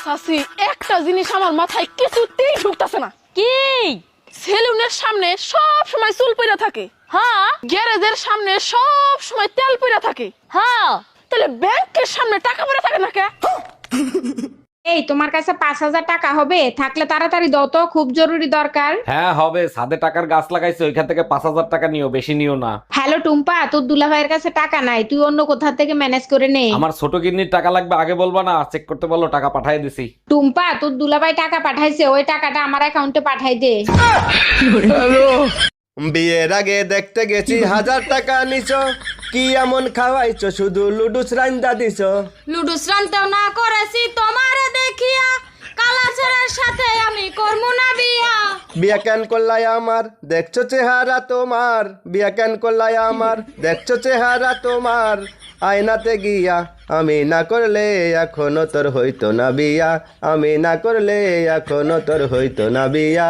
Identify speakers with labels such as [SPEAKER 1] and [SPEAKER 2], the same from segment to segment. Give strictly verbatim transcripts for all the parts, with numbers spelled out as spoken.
[SPEAKER 1] সাসি একটা জিনিস আমার মাথায় কিছুতেই ঢুকতাছে না।
[SPEAKER 2] কি?
[SPEAKER 1] সেলুনের সামনে সব সময় চুল পইরা থাকে,
[SPEAKER 2] হ্যাঁ
[SPEAKER 1] গ্যারেজের সামনে সব সময় তেল পইরা থাকে,
[SPEAKER 2] হ্যাঁ।
[SPEAKER 1] তাহলে ব্যাংকের সামনে টাকা পড়ে থাকে না কে?
[SPEAKER 3] এই তোমার কাছে পাঁচ হাজার টাকা হবে? থাকলে তাড়াতাড়ি দাও তো, খুব জরুরি দরকার।
[SPEAKER 4] হ্যাঁ হবে, ছাদে টাকার গাছ লাগাইছে, ওইখান থেকে পাঁচ হাজার টাকা নিও, বেশি নিও না।
[SPEAKER 3] হ্যালো টুম্পা, তোর দুলাভাইয়ের কাছে টাকা নাই, তুই অন্য কোথা থেকে ম্যানেজ করে নে।
[SPEAKER 4] আমার ছোট কিডনির টাকা লাগবে, আগে বলবা না? চেক করতে বলো, টাকা পাঠিয়ে দিছি।
[SPEAKER 3] টুম্পা, তোর দুলাভাই টাকা পাঠাইছে, ওই টাকাটা আমার অ্যাকাউন্টে পাঠাই দে।
[SPEAKER 5] বিয়ের আগে দেখতে গেছি হাজার টাকা নিছো, কি এমন খাওয়াইছো শুধু লুডুস রান্দা দিছো।
[SPEAKER 2] লুডুস রানতেও না করেছি তোমারে দেখিয়া, কালাচারের সাথে আমি করবো না বিয়া।
[SPEAKER 5] বিয়া কেন করলাই আমার, দেখছো চেহারা তোমার, বিয়া কেন করলাই আমার, দেখছো চেহারা তোমার। আয়নাতে গিয়া আমি না করলে এখনো তোর হইতো না বিয়া, আমি না করলে এখনো তোর হইতো না বিয়া।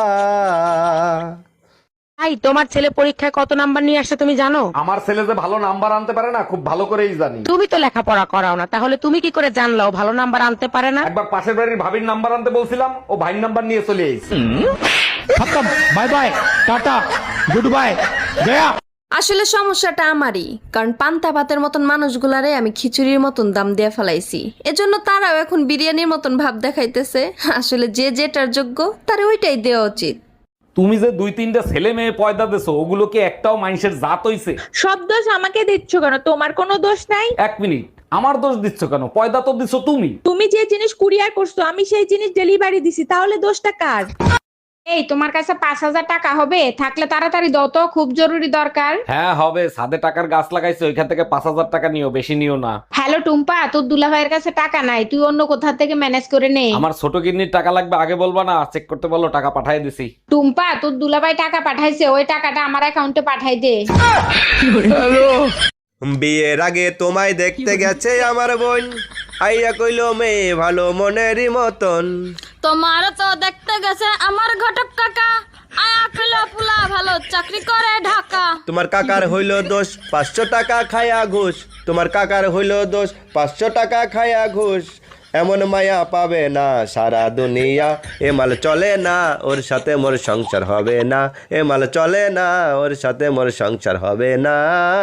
[SPEAKER 6] ভাই, তোমার ছেলে পরীক্ষায় কত নাম্বার নিয়ে আসছে তুমি জানো?
[SPEAKER 4] আমার ছেলে যে ভালো নাম্বার আনতে পারে না, খুব ভালো করেই জানি।
[SPEAKER 6] তুমি তো লেখাপড়া করাও না, তাহলে তুমি কি করে জানলাও ভালো নাম্বার আনতে পারে না?
[SPEAKER 4] একবার পাশের বাড়ির ভাবির নাম্বার আনতে বলছিলাম, ও ভাইয়ের নাম্বার নিয়ে চলে এসেছে।
[SPEAKER 7] Bye bye, tata, good bye, গয়া।
[SPEAKER 8] আসলে সমস্যাটা আমারই, কারণ পান্তা ভাতের মতন মানুষগুলারে আমি খিচুড়ির মতন দাম দিয়ে ফেলাইছি, এজন্য তারাও এখন বিরিয়ানির মতন ভাব দেখাইতেছে। আসলে যে যেটার যোগ্য তার ওইটাই দেওয়া উচিত।
[SPEAKER 4] তুমি যে দুই তিনটা ছেলে মেয়ে পয়দা দিছো, ওগুলো কি একটাও মানুষের জাত হইছে?
[SPEAKER 9] সব দোষ আমাকে দিচ্ছ কেন? তোমার কোনো দোষ নাই।
[SPEAKER 4] এক মিনিট, আমার দোষ দিচ্ছ কেন? পয়দা তো দিছো তুমি।
[SPEAKER 9] তুমি যে জিনিস কুরিয়ার করছো আমি সেই জিনিস ডেলিভারি দিছি, তাহলে দোষটা কার?
[SPEAKER 3] এই তোমার কাছে পাঁচ হাজার টাকা হবে? থাকলে তাড়াতাড়ি দাও তো, খুব জরুরি দরকার।
[SPEAKER 4] হ্যাঁ হবে, ছাদে টাকার গাছ লাগাইছে, ওইখান থেকে পাঁচ হাজার টাকা নিও, বেশি নিও না।
[SPEAKER 3] হ্যালো টুম্পা, তোর দুলাভাইয়ের কাছে টাকা নাই, তুই অন্য কোথা থেকে ম্যানেজ করে নে।
[SPEAKER 4] আমার ছোট কিডনির টাকা লাগবে, আগে বলবা না? চেক করতে বলো, টাকা পাঠিয়ে দিছি।
[SPEAKER 3] টুম্পা, তোর দুলাভাই টাকা পাঠাইছে, ওই টাকাটা আমার অ্যাকাউন্টে পাঠাই দে।
[SPEAKER 5] বিয়ের আগে তোমায় দেখতে গেছে আমার বোন, আইয়া কইলো মেয়ে ভালো মনেরই মতন।
[SPEAKER 2] তোমার তো দেখতে গেছে আমার ঘটক কাকা, আয়া খেলা পুলা ভালো চাকরি করে ঢাকা।
[SPEAKER 5] তোমার কাকার হইল দোষ পাঁচশো টাকা খায়া ঘুষ, তোমার কাকার হইল দোষ পাঁচশো টাকা খায়া ঘুষ। এমন মায়া পাবে না সারা দুনিয়া, এ মাল চলে না ওর সাথে মোর সংসার হবে না, এ মাল চলে না ওর সাথে মোর সংসার হবে না।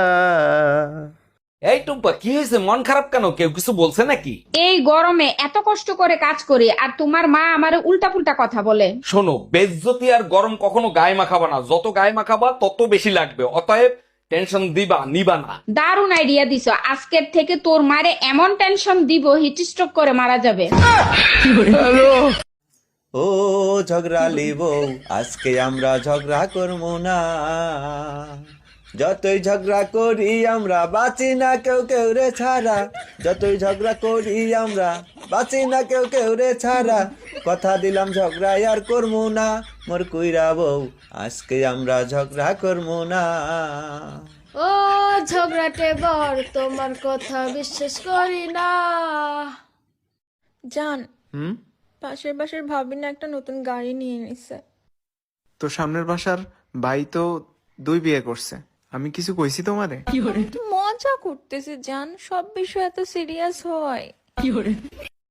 [SPEAKER 4] এই টুম্পা, কি হয়েছে? মন খারাপ কেন? কেউ কিছু বলছে নাকি?
[SPEAKER 3] এই গরমে এত কষ্ট করে কাজ করি, আর তোমার মা আমারে উল্টা পুল্টা কথা বলে।
[SPEAKER 4] শোনো, বেজ্জতি আর গরম কখনো গায়ে মাখাবা না, যত গায়ে মাখাবা তত বেশি লাগবে, অতএব টেনশন দিবা নিবা না।
[SPEAKER 3] দারুণ আইডিয়া দিছো, আজকের থেকে তোর মারে এমন টেনশন দিব হিট স্ট্রোক করে মারা যাবে।
[SPEAKER 5] ও ঝগড়ালি বউ, আজকে আমরা ঝগড়া করবো না, যতই ঝগড়া করি আমরা বাঁচি না কেউ কেউ রে ছাড়া, যতই ঝগড়া করি আমরা বাঁচি না কেউ কেউ রে ছাড়া। কথা দিলাম ঝগড়া আর করবো না, মোর কুইরা বউ, আজকে আমরা ঝগড়া করবো না।
[SPEAKER 2] ও ঝগড়াটে বর, তোমার কথা বিশ্বাস করি না।
[SPEAKER 9] জান, পাশের বাসার ভাবি না একটা নতুন গাড়ি নিয়ে নিছে।
[SPEAKER 10] তো সামনের বাসার ভাই তো দুই বিয়ে করছে, আমি কিছু কইছি তোমারে?
[SPEAKER 9] মজা করতেছি জান, সব বিষয় এত সিরিয়াস হয়?